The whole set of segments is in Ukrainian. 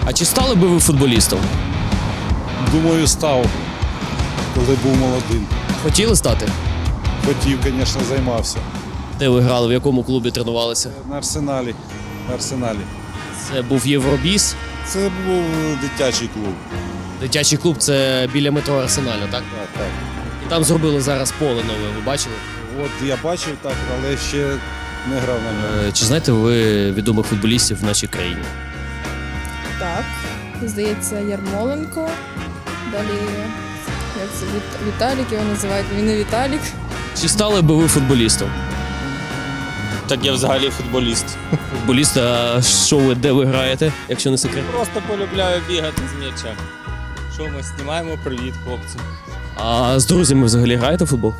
А чи стали би ви футболістом? Думаю, став, коли був молодим. Хотіли стати? Хотів, звісно, займався. Де ви грали, в якому клубі тренувалися? На Арсеналі. На Арсеналі. Це був Євробіс. Це був дитячий клуб. Дитячий клуб це біля метро Арсенальна, так? Так, так. І там зробили зараз поле нове, ви бачили? От я бачив так, але ще не грав на ньому. Чи знаєте ви відомих футболістів в нашій країні? Так, здається, Ярмоленко. Далі, як це, Віталік його називають, він не Віталік. Чи стали би ви футболістом? Так я взагалі футболіст. Футболіст, а що ви, де ви граєте, якщо не секрет? Просто полюбляю бігати з м'ячем. Що ми знімаємо? Привіт, хлопці. А з друзями взагалі граєте в футбол?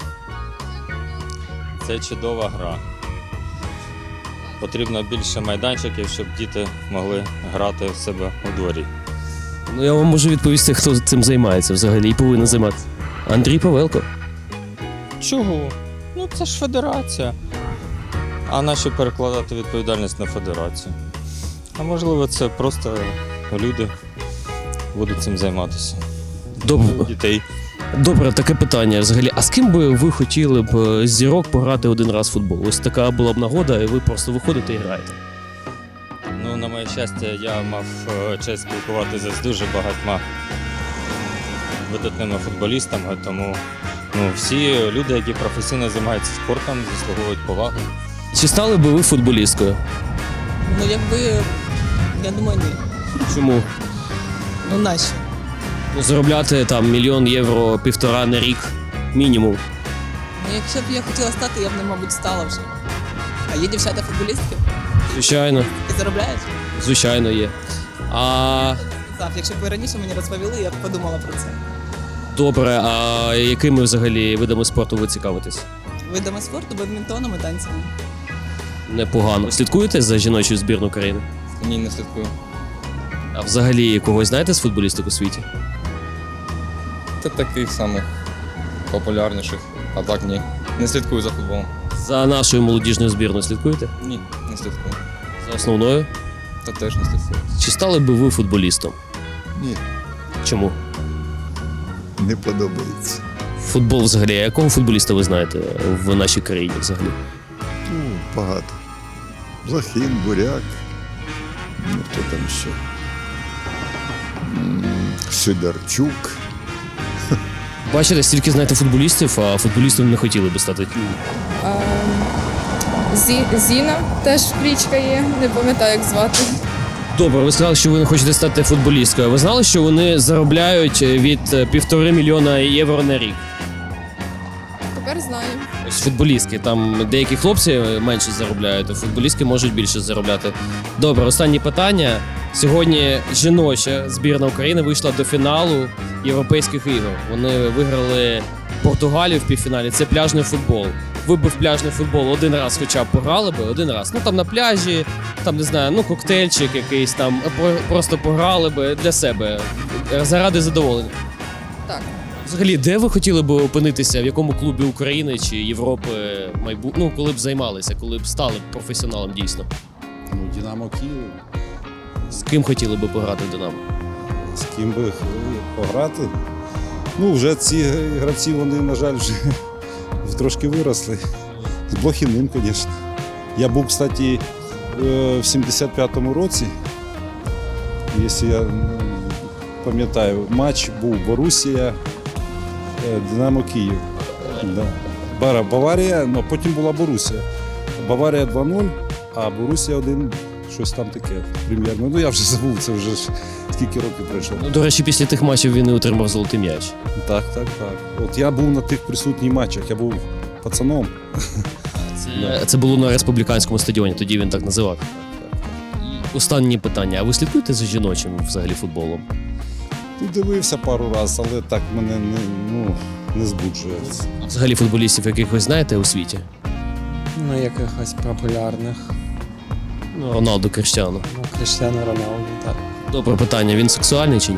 Це чудова гра. Потрібно більше майданчиків, щоб діти могли грати в себе у дворі. Ну я вам можу відповісти, хто цим займається взагалі і повинен займатися. Андрій Павелко. Чого? Ну це ж федерація. А нащо перекладати відповідальність на федерацію? А можливо, це просто люди будуть цим займатися. Дітей. Добре, таке питання взагалі. А з ким би ви хотіли б з зірок пограти один раз в футбол? Ось така була б нагода, і ви просто виходите і граєте. Ну, на моє щастя, я мав честь спілкуватися з дуже багатьма видатними футболістами, тому всі люди, які професійно займаються спортом, заслуговують поваги. Чи стали би ви футболісткою? Ну, якби, я думаю, ні. Чому? Ну, нащо? Ну, заробляти там 1 мільйон євро, 1,5 на рік мінімум. Ну, якщо б я хотіла стати, я б, мабуть, стала вже. А є дівчата-футболістки? Звичайно, Ти заробляєш? звичайно є. А Так, якщо б ви раніше мені розповіли, я б подумала про це. добре, а якими взагалі видами спорту ви цікавитесь? Видами спорту, бадмінтоном і танцями. Непогано. Слідкуєте за жіночою збірною країни? Ні, не слідкую. А взагалі когось знаєте з футболісток у світі? Та таких самих популярніших, а так ні. Не слідкую за футболом. За нашою молодіжною збірною слідкуєте? Ні, не слідкую. За основною? Та теж не слідкую. Чи стали би ви футболістом? Ні, Чому? не подобається. Футбол взагалі, а якого футболіста ви знаєте в нашій країні взагалі? Ну, багато. Блохін, Буряк. Ну, хто там ще? Сидорчук. Бачите, стільки знаєте футболістів, а футболістом не хотіли би стати. Зіна теж кличка є, не пам'ятаю, як звати. Добре, ви сказали, що ви не хочете стати футболісткою. Ви знали, що вони заробляють від 1,5 мільйона євро на рік? Тепер знаю. Ось футболістки, там деякі хлопці менше заробляють, а футболістки можуть більше заробляти. Добре, останнє питання. Сьогодні жіноча збірна України вийшла до фіналу Європейських ігор. Вони виграли Португалію в півфіналі. Це пляжний футбол. Ви б в пляжний футбол один раз хоча б пограли би, один раз. Ну там на пляжі, там не знаю, ну коктейльчик якийсь там, просто пограли би для себе, заради задоволення. Так. Взагалі, де ви хотіли б опинитися, в якому клубі України чи Європи ну, коли б займалися, коли б стали професіоналом дійсно? Ну, Динамо Київ. З ким хотіли б пограти в Динамо? З ким би пограти? Ну, вже ці гравці, вони, на жаль, вже трошки виросли. З Блохіним, звісно. Я був, кстати, в 75-му році, якщо я пам'ятаю, матч був Борусія, Динамо Київ. Да. Баварія, ну, потім була Борусія. Баварія 2-0, а Борусія 1, щось там таке, примірно. Ну, я вже забув, це вже скільки років пройшло. Ну, до речі, після тих матчів він і отримав золотий м'яч. Так. От я був на тих присутніх матчах, я був пацаном. Це було на республіканському стадіоні, тоді він так називав. І останнє питання. А ви слідкуєте за жіночим взагалі футболом? Ну, дивився пару разів, але так мене не збуджує. Взагалі футболістів якихось знаєте у світі? Ну, якихось популярних. Ну, Роналду, Кріштіану. Ну, Кріштіану Роналду, так. Добре питання. Він сексуальний чи ні?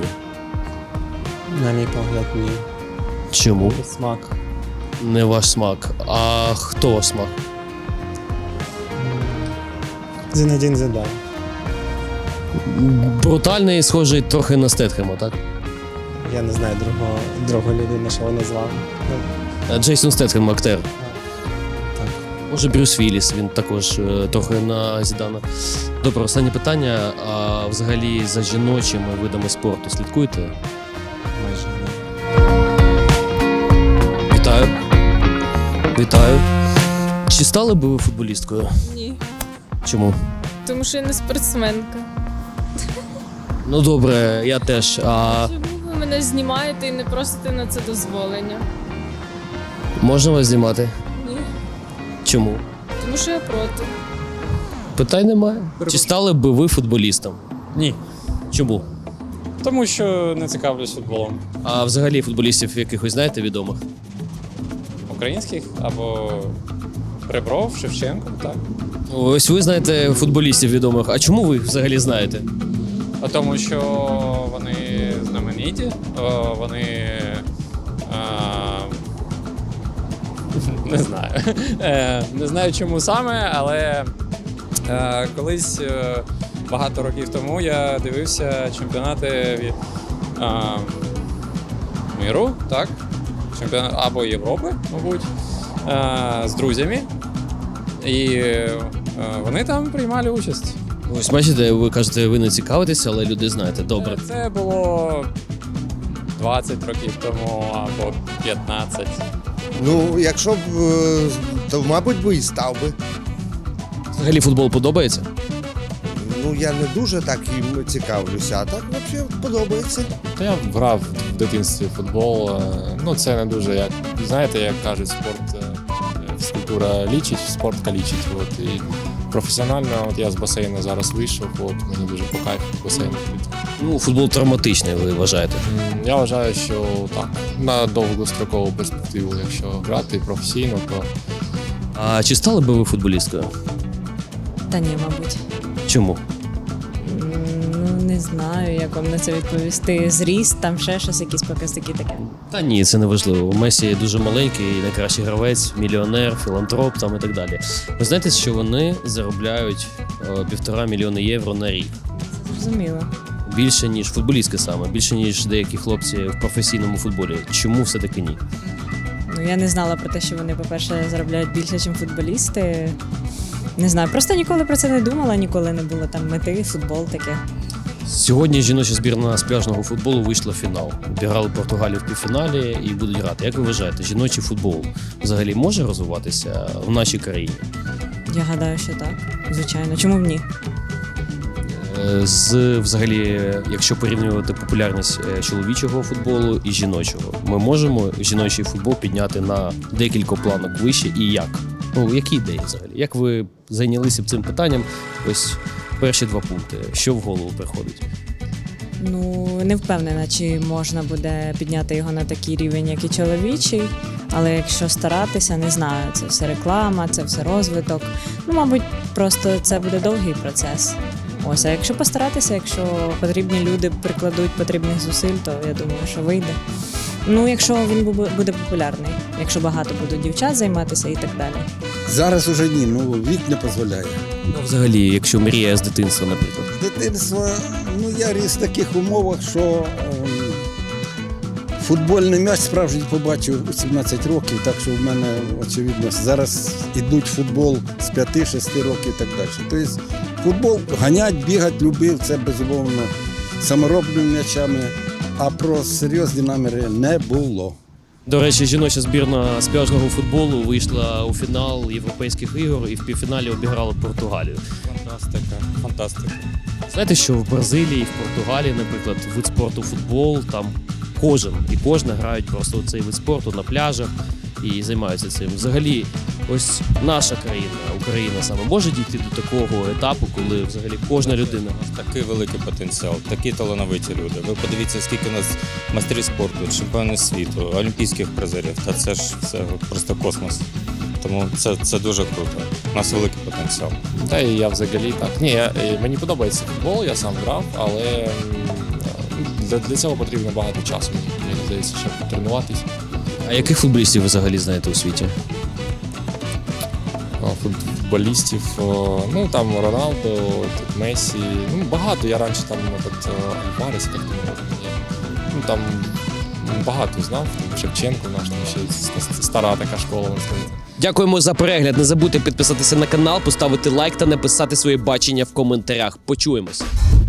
На мій погляд, ні. Чому? Смак. Не ваш смак. А хто ваш смак? Зінедін Зідан. Брутальний, схожий трохи на Стетхема, так? Я не знаю другу людину, що вони звали. Ну, Джейсон Стетхем, актер. так. Може, Брюс Вілліс, він також трохи на Зідана. Добре, останнє питання. А взагалі за жіночими видами спорту слідкуєте? Майже не. Вітаю. Вітаю. Чи стали би ви футболісткою? Ні. Чому? Тому що я не спортсменка. Ну добре, я теж. А Чому ви мене знімаєте і не просите на це дозволення? можна вас знімати? Ні. Чому? Тому що я проти. Питань немає. Чи стали би ви футболістом? Ні, Чому? тому що не цікавлюсь футболом. А взагалі футболістів якихось знаєте відомих? Українських або Ребров, Шевченко, так. Ось ви знаєте футболістів відомих. А чому ви їх взагалі знаєте? А тому що вони знамениті, вони. Не знаю. Не знаю чому саме, але колись багато років тому я дивився чемпіонати від миру, так? Чемпіонат або Європи, мабуть, з друзями. І вони там приймали участь. Ось бачите, ви кажете, ви не цікавитеся, але люди знаєте. Добре. Це було 20 років тому або 15. Ну, якщо б, то, мабуть, би і став би. Взагалі футбол подобається? Ну, я не дуже так їм цікавлюся, а так взагалі подобається. Та я грав в дитинстві в футбол. Ну, це не дуже, як знаєте, як кажуть, спорт, фізкультура лічить, спорт калічить. От. І професіонально, от я з басейну зараз вийшов, от мені дуже по кайфу в басейн ходити. Ну, футбол травматичний, ви вважаєте? Я вважаю, що так, на довгострокову перспективу, якщо грати професійно, то А чи стали би ви футболісткою? Та ні, мабуть. Чому? Ну, не знаю, як вам на це відповісти. Зріст, там ще щось, якісь показники таке. Та ні, це не важливо. Месі дуже маленький, найкращий гравець, мільйонер, філантроп там і так далі. Ви знаєте, що вони заробляють 1,5 мільйона євро на рік? Зрозуміло. Більше, ніж футболістки саме, більше, ніж деякі хлопці в професійному футболі. Чому все-таки ні? Ну, я не знала про те, що вони, по-перше, заробляють більше, ніж футболісти. Не знаю, просто ніколи про це не думала, ніколи не було там мети, футбол таке. Сьогодні жіноча збірна з пляжного футболу вийшла в фінал. Обіграли Португалію в півфіналі і будуть грати. Як ви вважаєте, жіночий футбол взагалі може розвиватися в нашій країні? Я гадаю, що так. Звичайно. Чому б ні? Взагалі, якщо порівнювати популярність чоловічого футболу і жіночого, ми можемо жіночий футбол підняти на декілька планок вище і як? Ну, які ідеї взагалі? Як ви зайнялися б цим питанням? Ось перші 2 пункти. Що в голову приходить? Ну, не впевнена, чи можна буде підняти його на такий рівень, як і чоловічий. Але якщо старатися, не знаю, це все реклама, це все розвиток. Ну, мабуть, просто це буде довгий процес. Ось, а якщо постаратися, якщо потрібні люди прикладуть потрібних зусиль, то я думаю, що вийде. Ну, якщо він буде популярний, якщо багато будуть дівчат займатися і так далі. Зараз уже ні, ну вік не дозволяє. Ну, взагалі, якщо мрія з дитинства, наприклад. Дитинство, ну я ріс в таких умовах, що футбольний м'яч справжній побачив у 17 років, так що в мене, очевидно, зараз ідуть футбол з 5-6 років і так далі. Тобто футбол ганять, бігать, любив, це безумовно саморобними м'ячами, а про серйозні наміри не було. До речі, жіноча збірна з пляжного футболу вийшла у фінал Європейських ігор і в півфіналі обіграла Португалію. Фантастика. Знаєте, що в Бразилії, в Португалії, наприклад, вид спорту футбол, там кожен і кожна грають просто цей вид спорту на пляжах і займаються цим. Взагалі, ось наша країна, Україна саме, може дійти до такого етапу, коли взагалі кожна людина. Такий великий потенціал, такі талановиті люди. Ви подивіться, скільки у нас майстрів спорту, чемпіонів світу, олімпійських призерів. Та це ж все просто космос. Тому це дуже круто. У нас великий потенціал. та і я взагалі так. Ні, мені подобається футбол, я сам грав, але для цього потрібно багато часу. Мені здається, щоб потренуватись. А яких футболістів ви взагалі знаєте у світі? футболістів. Ну там Роналдо, тут Месі. Ну багато. Я раніше там Альварес, як там є. Ну там багато знав. Там Шевченко наш там ще стара така школа, можна сказати. Дякуємо за перегляд. Не забудьте підписатися на канал, поставити лайк та написати своє бачення в коментарях. Почуємось.